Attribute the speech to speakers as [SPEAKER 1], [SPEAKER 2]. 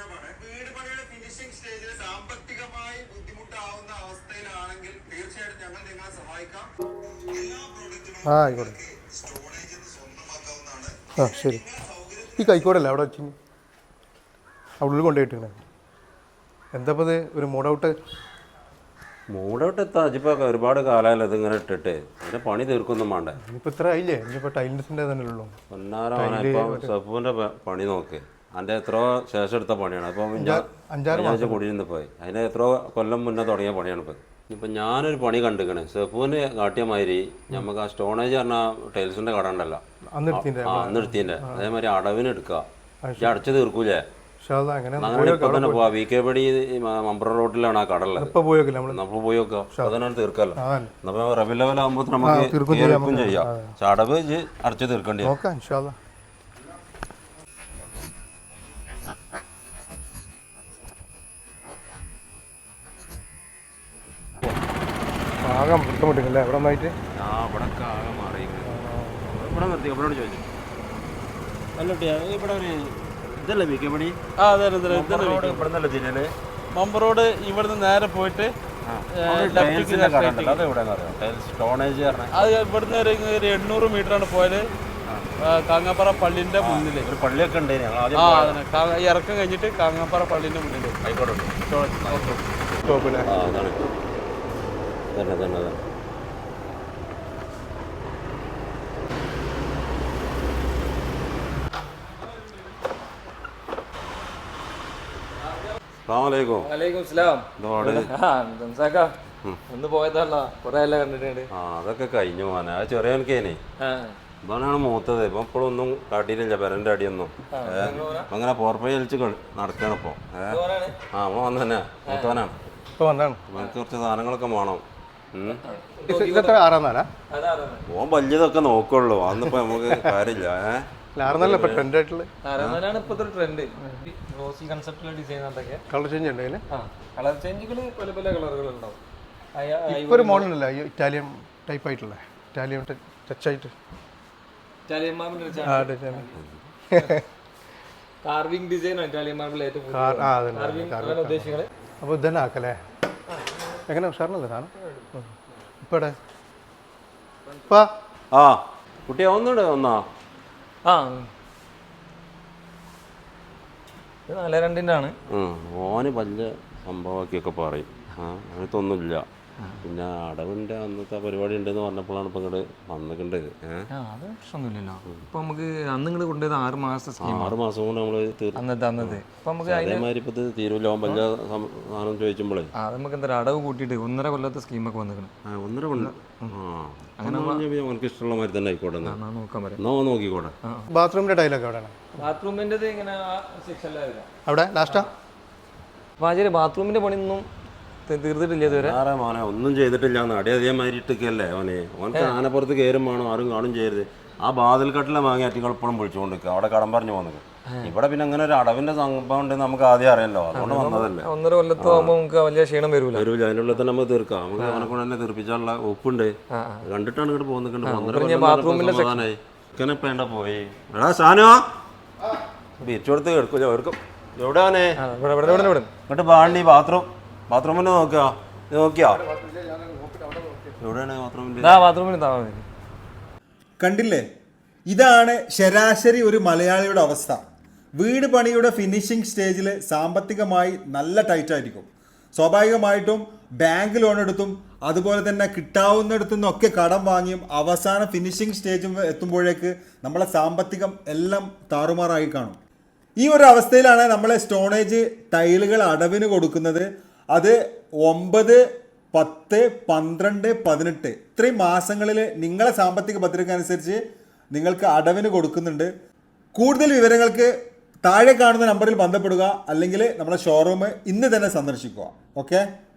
[SPEAKER 1] വീട് പണിയുടെ ഫിനിഷിംഗ് സ്റ്റേജിൽ സാമ്പത്തികമായി ബുദ്ധിമുട്ടാവുന്ന അവസ്ഥയിലാണെങ്കിൽ തീർച്ചയായിട്ടും ഞങ്ങൾ നിങ്ങളെ സഹായിക്കാം. എല്ലാ പ്രോഡക്റ്റുകളും സ്റ്റോറേജിൽ സ്വന്തമാക്കാവുന്നതാണ്.
[SPEAKER 2] ശരി. ഈ കൈക്കോടല്ലേ അവിടെ വെച്ച് അവിടെ ഉള്ളിൽ കൊണ്ടുപോയിട്ടിങ്ങനെ എന്താ ഇത് ഒരു
[SPEAKER 3] മൂടൗട്ട് എത്താ ഇപ്പം ഒരുപാട് കാലമല്ലോ ഇതിങ്ങനെ ഇട്ടിട്ട് അതിൻ്റെ പണി തീർക്കൊന്നും വേണ്ടേ.
[SPEAKER 2] ഇനിയിപ്പോൾ ഇത്ര ആയില്ലേ? ഇനിയിപ്പോൾ ടൈലിൻ്റെ തന്നെ ഉള്ളൂ.
[SPEAKER 3] പൊന്നാരം സഫുവിൻ്റെ പണി നോക്ക്. അതിൻ്റെ എത്രയോ ശേഷം എടുത്ത പണിയാണ്. അപ്പം അഞ്ചാറ് കൂടിയിരുന്ന് പോയി അതിന് എത്രയോ കൊല്ലം മുന്നേ തുടങ്ങിയ പണിയാണ് ഇപ്പം. ഇപ്പം ഞാനൊരു പണി കണ്ടിക്കണേ സെഫുവിന് കാട്ടിയ മാതിരി നമുക്ക് ആ സ്റ്റോണേജ് പറഞ്ഞ ടൈൽസിൻ്റെ കട ഉണ്ടല്ലോ അന്ന് എടുത്തിൻ്റെ അതേമാതിരി അടവിന് എടുക്കുക. അടച്ചു തീർക്കൂലേ? അങ്ങനെ ഇപ്പൊ തന്നെ പോവാ. വി കെ പടി മമ്പ്ര റോഡിലാണ് ആ കടള്ളത്. അപ്പൊ പോയി നോക്കാം. അതിനാണ് തീർക്കല്ലോ. അപ്പൊ റബി ലെവലാകുമ്പോ നമുക്ക് തീർക്കും ചെയ്യാം. ചടവ് അടച്ചു തീർക്കേണ്ടി വരും.
[SPEAKER 4] മമ്പർ റോഡ് ഇവിടുന്ന് നേരെ പോയിട്ട് അത് ഇവിടുന്ന് ഒരു 800 മീറ്ററാണ് പോയത്. കാങ്ങാപ്പാറ പള്ളിന്റെ മുന്നിൽ
[SPEAKER 3] ഒരു പള്ളിയൊക്കെ ഉണ്ട്.
[SPEAKER 4] ഇറക്കം കഴിഞ്ഞിട്ട് കാങ്ങാപ്പാറ പള്ളിന്റെ മുന്നിൽ ഒന്ന് പോയതല്ല കൊറേ അല്ല കണ്ടിട്ടുണ്ട്.
[SPEAKER 3] അതൊക്കെ കഴിഞ്ഞു പോകാൻ ആ ചെറിയനക്കേനെ ഇതാണ് മൂത്തത്. ഇപ്പൊ ഇപ്പോഴും ഒന്നും കാട്ടിയിട്ടില്ല പെരന്റെ അടിയൊന്നും. അങ്ങനെ പോർപ്പൈ വലിച്ച് നടക്കണം ഇപ്പൊ. നമ്മൾ വന്നു തന്നെ മൂത്തവനാണ്. എനിക്ക് കുറച്ച് സാധനങ്ങളൊക്കെ വേണം. ഓൻ വലിയതൊക്കെ നോക്കുള്ളൂ. അന്നിപ്പോ നമുക്ക് കാര്യമില്ല.
[SPEAKER 2] ഒരു മോഡൽ ഉണ്ടല്ലോ ഇറ്റാലിയൻ ടൈപ്പ് ആയിട്ടുള്ള ഇറ്റാലിയൻ ടച്ച് ആയിട്ട്
[SPEAKER 4] കാർവിംഗ് ഡിസൈൻ
[SPEAKER 2] അപ്പോൾ ഇതന്നെ ആക്കല്ലേ? എങ്ങനെ ഉഷാറിനല്ലേ സാധനം? ഇപ്പടെ
[SPEAKER 3] ആ കുട്ടിയെ ഒന്നുണ്ട് ഒന്നാ.
[SPEAKER 4] ഇത് 4-2 ആണ്.
[SPEAKER 3] ഓന് വലിയ സംഭവമാക്കിയൊക്കെ പറയും. അങ്ങനത്തൊന്നുമില്ല. പിന്നെ അടവിന്റെ അന്നത്തെ പരിപാടി ഉണ്ടെന്ന് പറഞ്ഞപ്പോഴാണ് ഇപ്പൊ ഇങ്ങോട്ട് വന്നിട്ടുണ്ട്.
[SPEAKER 4] അത് പ്രശ്നമൊന്നുമില്ലല്ലോ. ഇപ്പൊ നമുക്ക് അന്ന് ഇങ്ങോട്ട് കൊണ്ടുപോയത് 6 മാസം
[SPEAKER 3] 6 മാസം കൊണ്ട് നമ്മള് അതേമാതിരി ഇപ്പൊ തീരുവല്ലോ. വലിയ സാധനം ചോദിച്ചുമ്പോഴേ
[SPEAKER 4] നമുക്ക് എന്താ അടവ് കൂട്ടിയിട്ട് 1.5 കൊല്ലത്തെ സ്കീമൊക്കെ വന്നിക്കണം.
[SPEAKER 3] 1.5 കൊല്ലം അങ്ങനെ അവനക്ക് ഇഷ്ടമുള്ള മാതിരി തന്നെ ആയിക്കോട്ടെ.
[SPEAKER 4] നോക്കാൻ പറയാം.
[SPEAKER 3] നോക്കിക്കോട്ടെ.
[SPEAKER 2] ബാത്റൂമിന്റെ ടൈലൊക്കെ എവിടെയാണ്?
[SPEAKER 4] ബാത്റൂമിന്റെ ഇങ്ങനെ
[SPEAKER 2] അവിടെ ലാസ്റ്റാ
[SPEAKER 4] പാചക ബാത്റൂമിന്റെ പണിയൊന്നും തീർത്തിട്ടില്ല ഇതുവരെ.
[SPEAKER 3] മോനെ ഒന്നും ചെയ്തിട്ടില്ല. അടി അതേമാതിരി ഇട്ടൊക്കെയല്ലേ ഓനെ. ഓനക്ക് ആനപ്പുറത്ത് കയറും വേണം. ആരും കാണും ചെയ്യരുത്. ആ ബാതിൽക്കട്ടിലെ വാങ്ങി അറ്റികളെപ്പോഴും വിളിച്ചുകൊണ്ട് നിൽക്കുക. അവിടെ കടം പറഞ്ഞു പോകുന്നത്. ഇവിടെ പിന്നെ അങ്ങനെ ഒരു അടവിന്റെ സംഭവം ഉണ്ടെന്ന് നമുക്ക് ആദ്യം അറിയാലോ. അതുകൊണ്ട് വന്നതല്ലേ.
[SPEAKER 4] 1.5 കൊല്ലത്ത് ആകുമ്പോൾ നമുക്ക് വലിയ ക്ഷീണം വരൂല.
[SPEAKER 3] അതിനുള്ളിൽ തന്നെ നമുക്ക് തീർക്കാം. നമുക്ക് അവനെ കൊണ്ട് തന്നെ തീർപ്പിച്ചാലുള്ള ഒപ്പുണ്ട്. കണ്ടിട്ടാണ് ഇങ്ങോട്ട് പോകുന്നുണ്ട്.
[SPEAKER 4] ബാത്റൂമിനായി
[SPEAKER 3] വേണ്ട പോയി എടാ സാനോ ബീച്ച് കൊടുത്ത് എടുക്കൂല. എവിടെയാണേ ഇങ്ങോട്ട് പാണ്ടി ബാത്റൂമിന് നോക്കിയാ എവിടെയാണ്
[SPEAKER 4] ബാത്റൂമിൽ?
[SPEAKER 5] കണ്ടില്ലേ? ഇതാണ് ശരാശരി ഒരു മലയാളിയുടെ അവസ്ഥ. വീട് പണിയുടെ ഫിനിഷിംഗ് സ്റ്റേജിൽ സാമ്പത്തികമായി നല്ല ടൈറ്റായിരിക്കും. സ്വാഭാവികമായിട്ടും ബാങ്ക് ലോൺ എടുത്തും അതുപോലെ തന്നെ കിട്ടാവുന്നിടത്തു നിന്നൊക്കെ കടം വാങ്ങിയും അവസാന ഫിനിഷിംഗ് സ്റ്റേജ് എത്തുമ്പോഴേക്ക് നമ്മളെ സാമ്പത്തികം എല്ലാം താറുമാറായി കാണും. ഈ ഒരു അവസ്ഥയിലാണ് നമ്മളെ സ്റ്റോണേജ് ടൈലുകൾ അടവിന് കൊടുക്കുന്നത്. അത് 9, 10, 12, 18 ഇത്രയും മാസങ്ങളിൽ നിങ്ങളെ സാമ്പത്തിക പത്രിക അനുസരിച്ച് നിങ്ങൾക്ക് അടവിന് കൊടുക്കുന്നുണ്ട്. കൂടുതൽ വിവരങ്ങൾക്ക് താഴെ കാണുന്ന നമ്പറിൽ ബന്ധപ്പെടുക, അല്ലെങ്കിൽ നമ്മുടെ ഷോറൂം ഇന്ന് തന്നെ സന്ദർശിക്കുക. ഓക്കെ.